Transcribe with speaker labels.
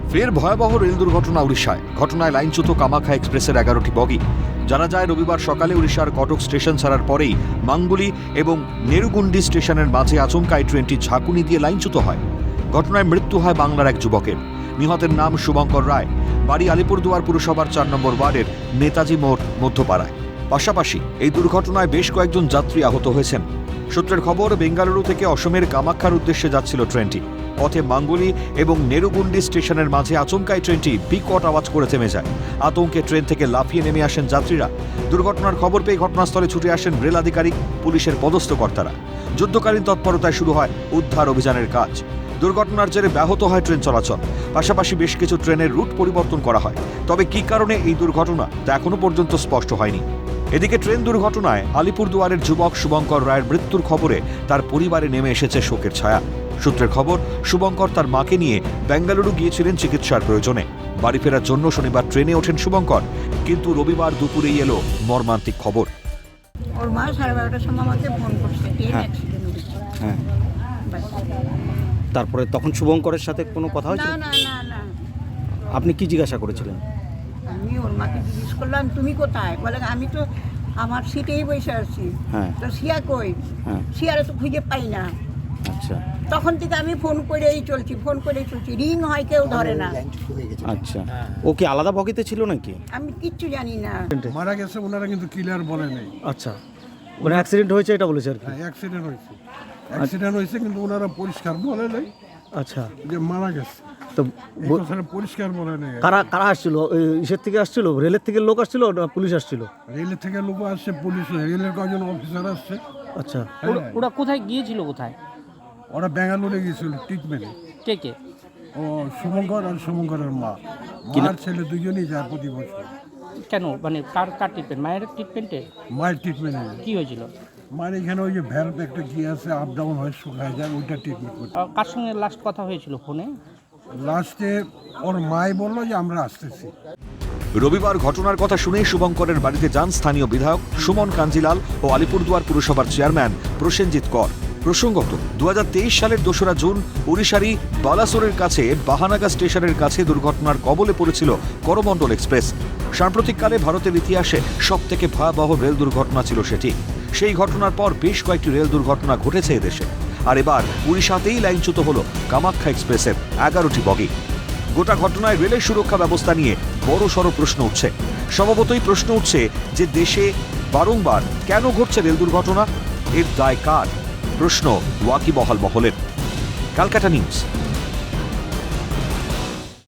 Speaker 1: ফের ভয়াবহ রেল দুর্ঘটনা উড়িষ্যায়। ঘটনায় লাইনচ্যুত কামাখ্যা এক্সপ্রেসের 11টি বগি। জানা যায়, রবিবার সকালে উড়িষ্যার কটক স্টেশন ছাড়ার পরেই মাঙ্গুলি এবং নেরুগুন্ডি স্টেশনের মাঝে আচমকা এই ট্রেনটি ঝাঁকুনি দিয়ে লাইনচ্যুত হয়। ঘটনায় মৃত্যু হয় বাংলার এক যুবকের। নিহতের নাম শুভঙ্কর রায়, বাড়ি আলিপুরদুয়ার পুরসভার 4 নম্বর ওয়ার্ডের নেতাজি মোড় মধ্যপাড়ায়। পাশাপাশি এই দুর্ঘটনায় বেশ কয়েকজন যাত্রী আহত হয়েছেন। সূত্রের খবর, বেঙ্গালুরু থেকে অসমের কামাখ্যার উদ্দেশ্যে যাচ্ছিল ট্রেনটি। পথে মাঙ্গুলি এবং নেরুগুন্ডি স্টেশনের মাঝে আচমকাই ট্রেনটি বিকট আওয়াজ করে থেমে যায়। আতঙ্কে ট্রেন থেকে লাফিয়ে নেমে আসেন যাত্রীরা। দুর্ঘটনার খবর পেয়ে ঘটনাস্থলে ছুটে আসেন রেল আধিকারিক, পুলিশের পদস্থ কর্তারা। যুদ্ধকালীন তৎপরতায় শুরু হয় উদ্ধার অভিযানের কাজ। দুর্ঘটনার জেরে ব্যাহত হয় ট্রেন চলাচল। পাশাপাশি বেশ কিছু ট্রেনের রুট পরিবর্তন করা হয়। তবে কী কারণে এই দুর্ঘটনা তা এখনো পর্যন্ত স্পষ্ট হয়নি। এদিকে ট্রেন দুর্ঘটনায় আলিপুরদুয়ারের যুবক শুভঙ্কর রায়ের মৃত্যুর খবরে তার পরিবারে নেমে এসেছে শোকের ছায়া। সূত্রের খবর, শুভঙ্কর তার মাকে নিয়ে বেঙ্গালুরু গিয়েছিলেন চিকিৎসার প্রয়োজনে। বাড়ি ফেরার জন্য শনিবার ট্রেনে ওঠেন শুভঙ্কর, কিন্তু রবিবার দুপুরেই এলো মর্মান্তিক খবর।
Speaker 2: ওর মা 12:30টার সময় আমাকে ফোন করছে, ট্রেন অ্যাক্সিডেন্ট হয়েছে।
Speaker 3: হ্যাঁ, তারপরে তখন শুভঙ্করের সাথে কোনো কথা হয়েছিল?
Speaker 2: না না না না,
Speaker 3: আপনি কি জিজ্ঞাসা করেছিলেন?
Speaker 2: আমি ওর মাকে জিজ্ঞেস করলাম তুমি কোথায়, বলে আমি তো আমার সিটেই বসে আছি।
Speaker 3: হ্যাঁ।
Speaker 2: তো শিয়া কই?
Speaker 3: হ্যাঁ।
Speaker 2: শিয়ারে তো খুঁজে পাই না।
Speaker 3: আচ্ছা
Speaker 2: তখন থেকে আমি ফোন করেই চলছি, রিং হয় কেউ ধরে না।
Speaker 3: আচ্ছা, ও কি আলাদা বগিতে ছিল নাকি?
Speaker 2: আমি কিচ্ছু জানি না।
Speaker 4: মারা গেছে ওনারা কিন্তু ক্লিয়ার বলে নাই।
Speaker 3: আচ্ছা, মানে অ্যাক্সিডেন্ট হয়েছে এটা বলেছে আর কি?
Speaker 4: হ্যাঁ, অ্যাক্সিডেন্ট হয়েছে কিন্তু ওনারা পরিষ্কার বলে নাই
Speaker 3: আচ্ছা,
Speaker 4: যে মারা গেছে।
Speaker 3: তো
Speaker 4: এই কথাটা পরিষ্কার বলে নাই।
Speaker 3: কারা কারা আসছিল? ইসের থেকে আসছিল, রেলের থেকে লোক আসছিল না পুলিশ আসছিল?
Speaker 4: রেলের থেকে লোক আসছে, পুলিশ, রেলের কয়েকজন অফিসার আসছে।
Speaker 3: আচ্ছা,
Speaker 5: ওরা কোথায় গিয়েছিল? কোথায়?
Speaker 4: ওরা বেঙ্গালুরু গিয়েছিল ট্রিটমেন্টে।
Speaker 5: কে কে?
Speaker 4: ও শুভঙ্কর আর শুভঙ্করের মা, মার ছেলে দুজনেই যায় প্রতি বছর।
Speaker 5: কেন, মানে কার কার ট্রিটমেন্ট? মায়ের ট্রিটমেন্টে?
Speaker 4: মায়ের ট্রিটমেন্টে।
Speaker 5: কি হয়েছিল?
Speaker 4: মায়ের এখানে ওই যে ভ্যালভ একটা কি আছে, আপ ডাউন হয়, শুকায় যায়, ওইটা ট্রিটমেন্ট করতে।
Speaker 5: কার সঙ্গে লাস্ট কথা হয়েছিল ফোনে?
Speaker 4: লাস্টে ওর মাই বললো যে আমরা আসতেছি।
Speaker 1: রবিবার ঘটনার কথা শুনেই শুভঙ্করের বাড়িতে যান স্থানীয় বিধায়ক সুমন কাঞ্জিলাল ও আলিপুরদুয়ার পুরসভার চেয়ারম্যান প্রসেনজিৎ কর। প্রসঙ্গত, 2023 সালের 2রা জুন উড়িষ্যারই বালাসোরের কাছে বাহানাগা স্টেশনের কাছে দুর্ঘটনার কবলে পড়েছিল করমণ্ডল এক্সপ্রেস। সাম্প্রতিককালে ভারতের ইতিহাসে সবথেকে ভয়াবহ রেল দুর্ঘটনা ছিল সেটি। সেই ঘটনার পর বেশ কয়েকটি রেল দুর্ঘটনা ঘটেছে এদেশে। আর এবার উড়িষ্যাতেই লাইনচ্যুত হল কামাখ্যা এক্সপ্রেসের 11টি বগি। গোটা ঘটনায় রেলের সুরক্ষা ব্যবস্থা নিয়ে বড়সড় প্রশ্ন উঠছে। স্বভাবতই প্রশ্ন উঠছে যে দেশে বারংবার কেন ঘটছে রেল দুর্ঘটনা, এর দায় কার? প্রশ্ন ওয়াকিবহাল মহলের। ক্যালকাটা নিউজ।